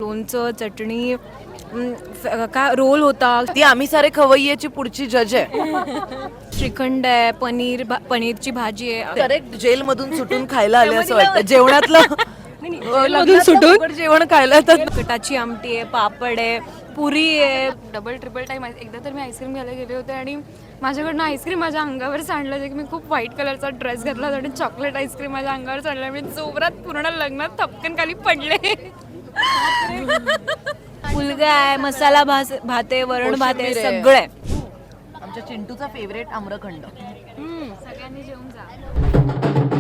लोणचं, चटणी, का रोल होता. ती आम्ही सारे खवय्याची पुढची जज आहे. श्रीखंड आहे, पनीरची भाजी आहे. करेक्ट, जेल मधून सुटून खायला आले असं वाटतं. जेवणातलं मधून सुटून जेवण खायला येतात. कटाची आमटी आहे, पापड आहे, पुरी आहे. डबल ट्रिपल टाईम एकदा तर मी आईस्क्रीम घ्यायला गेले होते आणि माझ्याकडनं आईस्क्रीम माझ्या अंगावर सांडलं, जे की मी खूप व्हाईट कलरचा ड्रेस घातला होता आणि चॉकलेट आईस्क्रीम माझ्या अंगावर सांडलं. मी जोरात पूर्ण लग्नात थपकन खाली पडले. मुलगा आहे, मसाला भात आहे, वरण भात आहे, कोशिंबीर आहे. सगळं आहे. आमच्या चिंटूचा फेवरेट आम्रखंड. सगळ्यांनी जेवून जा.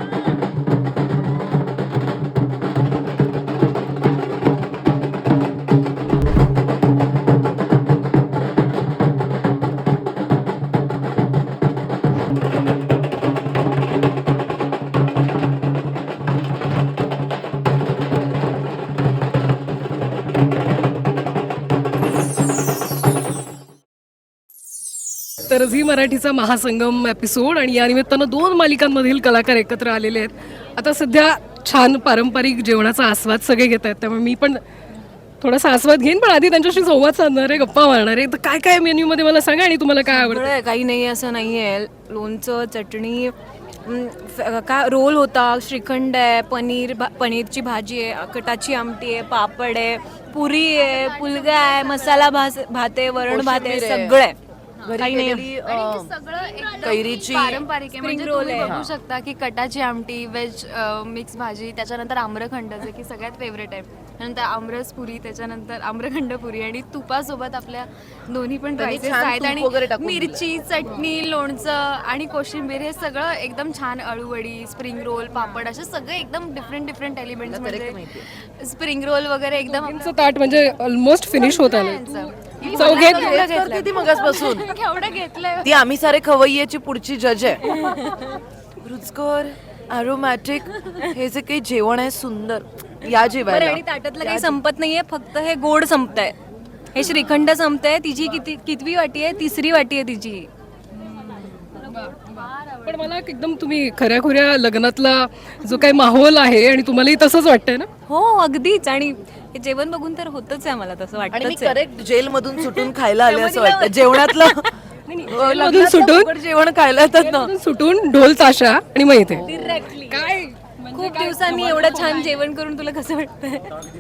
तर झी मराठीचा महासंगम एपिसोड आणि या निमित्तानं 2 मालिकांमधील कलाकार एकत्र आलेले आहेत. आता सध्या छान पारंपरिक जेवणाचा आस्वाद सगळे घेत आहेत, त्यामुळे मी पण थोडासा आस्वाद घेईन, पण आधी त्यांच्याशी संवाद साधणार आहे, गप्पा मारणार आहे. तर काय काय मेन्यूमध्ये मला सांगा आणि तुम्हाला काय आवडतं. सगळं आहे, काही नाही असं नाही आहे. लोणचं, चटणी, का रोल होता, श्रीखंड आहे, पनीरची भाजी आहे, कटाची आमटी आहे, पापड आहे, पुरी आहे, पुलगा आहे, मसाला भात आहे, वरण भात आहे, सगळं आहे. काही नाही. सगळं एकदम कैरीची पारंपरिक आहे. म्हणजे रोल तुम्ही आहे. बघू शकता की कटाची आमटी, व्हेज मिक्स भाजी, त्याच्यानंतर आम्रखंड जे की सगळ्यात फेवरेट आहे, त्यानंतर आमरस पुरी, त्याच्यानंतर आम्रखंड पुरी आणि तुपासोबत आपल्या दोन्ही पण त्यांनी ड्रायसेस छान आहेत तूप आणि वगैरे टाकून मिरची, चटणी, लोणचं आणि कोशिंबीर हे सगळं एकदम छान. अळूवडी, स्प्रिंग रोल, पापड असे सगळे एकदम डिफरंट एलिमेंट्स म्हणजे स्प्रिंग रोल वगैरे एकदम तुमचं ताट म्हणजे ऑलमोस्ट फिनिश होत आलं. चौघे करते ती मगासपासून. केवढं घेतलंय. ती आम्ही सारे खवय्याची पुढची जज आहे. रुचकर, अरोमॅटिक, हे जे काही जेवण आहे सुंदर. या बरं, जेवायला आणि ताटातलं काही संपत नाहीये, फक्त हे गोड संपतंय. हे श्रीखंड संपतंय. तिची कितवी वाटी आहे? 3री वाटी आहे तिची. पण मला एकदम तुम्ही खऱ्या लग्नातला जो काही माहोल आहे आणि तुम्हालाही तसंच वाटतंय ना. हो, अगदीच. आणि हे जेवण बघून तर होतच आहे, मला तसं आणि मी वाटतच आहे. करेक्ट जेल मधून सुटून खायला आले असं वाटतं. जेवणातलं मधून सुटून जेवण खायला येतात ना. सुटून ढोल ताशा आणि मग इथे काय खूप दिवसांनी एवढं छान जेवण करून तुला कसं वाटतंय?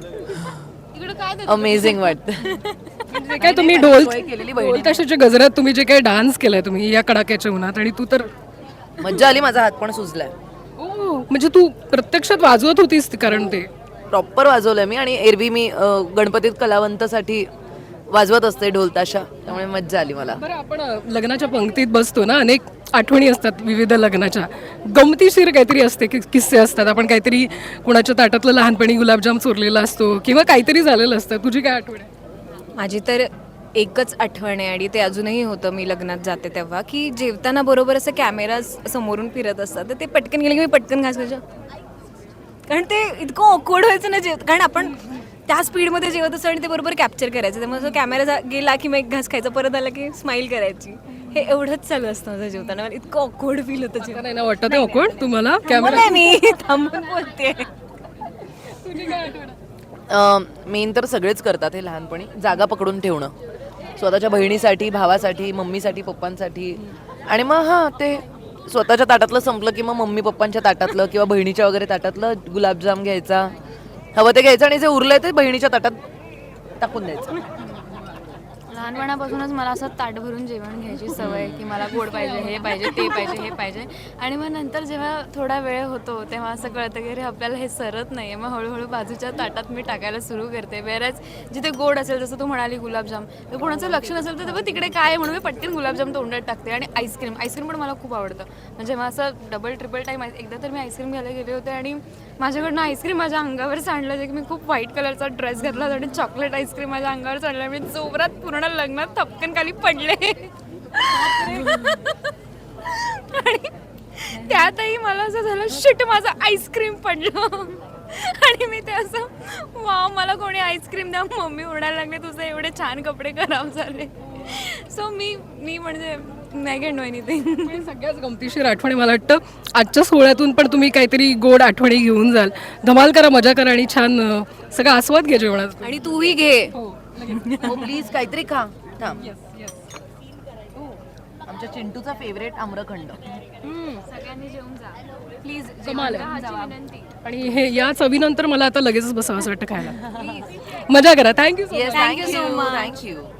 अमेझिंग वाटतं. म्हणजे काय तुम्ही ढोल केलेली ढोल ताशाच्या गजरात तुम्ही जे काही डान्स केलाय तुम्ही या कडाक्याच्या उन्हात, आणि तू तर मज्जा आली. माझा हात पण सुजलाय. म्हणजे तू प्रत्यक्षात वाजवत होतीस कारण ते प्रॉपर वाजवलंय मी. आणि एरवी मी गणपतीत कलावंतसाठी वाजवत असते ढोल ताशा, त्यामुळे मज्जा आली मला. बरं, आपण लग्नाच्या पंक्तीत बसतो ना, अनेक आठवणी असतात विविध लग्नाच्या, गमतीशीर काहीतरी असते, किस्से असतात. आपण काहीतरी कुणाच्या ताटातलं लहानपणी गुलाबजाम चोरलेला असतो किंवा काहीतरी झालेलं असतं. तुझी काय आठवण आहे? माझी तर एकच आठवण आहे, आणि ते अजूनही होतं मी लग्नात जाते तेव्हा, की जेवताना बरोबर असं कॅमेरा समोरून फिरत असतात, तर ते पटकन गेले की मी पटकन घास खायचं, कारण ते इतकं ऑकवर्ड व्हायचं ना कारण आपण त्या स्पीडमध्ये जेवत असतो आणि ते बरोबर कॅप्चर करायचं. त्यामुळे जो कॅमेरा गेला की मग एक घास खायचा, परत आला की स्माईल करायची. हे एवढंच चालू असतं माझं जेवताना. मला इतकं ऑकवर्ड फील होतं जेवण. नाही ना वाटतं ते ऑकवर्ड तुम्हाला कॅमेरा? नाही, मी थांबून बोलते. मेन तर सगळेच करतात हे लहानपणी, जागा पकडून ठेवणं स्वतःच्या बहिणीसाठी, भावासाठी, मम्मीसाठी, पप्पांसाठी. आणि मग ते स्वतःच्या ताटातलं संपलं की मग मम्मी पप्पांच्या ताटातलं किंवा बहिणीच्या वगैरे ताटातलं गुलाबजाम घ्यायचा, हवं ते घ्यायचं, आणि जे उरलंय ते बहिणीच्या ताटात टाकून द्यायचं. लहानपणापासूनच मला असं ताट भरून जेवण घ्यायची सवय आहे की मला गोड पाहिजे, हे पाहिजे, ते पाहिजे, हे पाहिजे. आणि मग नंतर जेव्हा थोडा वेळ होतो तेव्हा असं कळतं की अरे आपल्याला हे सरत नाही आहे. मग हळूहळू बाजूच्या ताटात मी टाकायला सुरू करते. वेळेस जिथे गोड असेल, जसं तू म्हणाली गुलाबजाम, तर कोणाचं लक्ष नसेल तर तेव्हा तिकडे काय आहे म्हणून मी पटकन गुलाबजाम तोंडात टाकते. आणि आईस्क्रीम पण मला खूप आवडतं. म्हणजे मग असं डबल ट्रिपल टाईम एकदा तर मी आईस्क्रीम घ्यायला गेले होते आणि माझ्याकडनं आईस्क्रीम माझ्या अंगावर सांडलं, जे की मी खूप व्हाईट कलरचा ड्रेस घातला होता आणि चॉकलेट आईस्क्रीम माझ्या अंगावर सांडलं. मी जोरात पूर्ण लग्नात थपकन खाली पडले. आणि त्यातही मला असं झालं, शिट, माझं आईस्क्रीम पडलं. आणि मी ते असं, वा, मला कोणी आईस्क्रीम द्या. मम्मी ओरडायला लागले, तुझे एवढे छान कपडे खराब झाले. सो मी म्हणजे आय कॅन नो एनिथिंग. पण सगळ्याच गमतीशीर आठवणी मला वाटतं आजच्या सोहळ्यातून पण तुम्ही काहीतरी गोड आठवणी घेऊन जाल. धमाल करा, मजा करा आणि छान सगळा आस्वाद घ्या जेवणाचा. आणि तूही घे. हो प्लीज काहीतरी खा. थांब. आमच्या चिंटूचा फेवरेट आम्रखंड. सगळ्यांनी जेवून जा प्लीज. कमाल आहे. विनंती. आणि हे या चवीनंतर मला आता लगेचच बसावं असं वाटतं खायला. मजा करा. Thank you yes thank you thank you.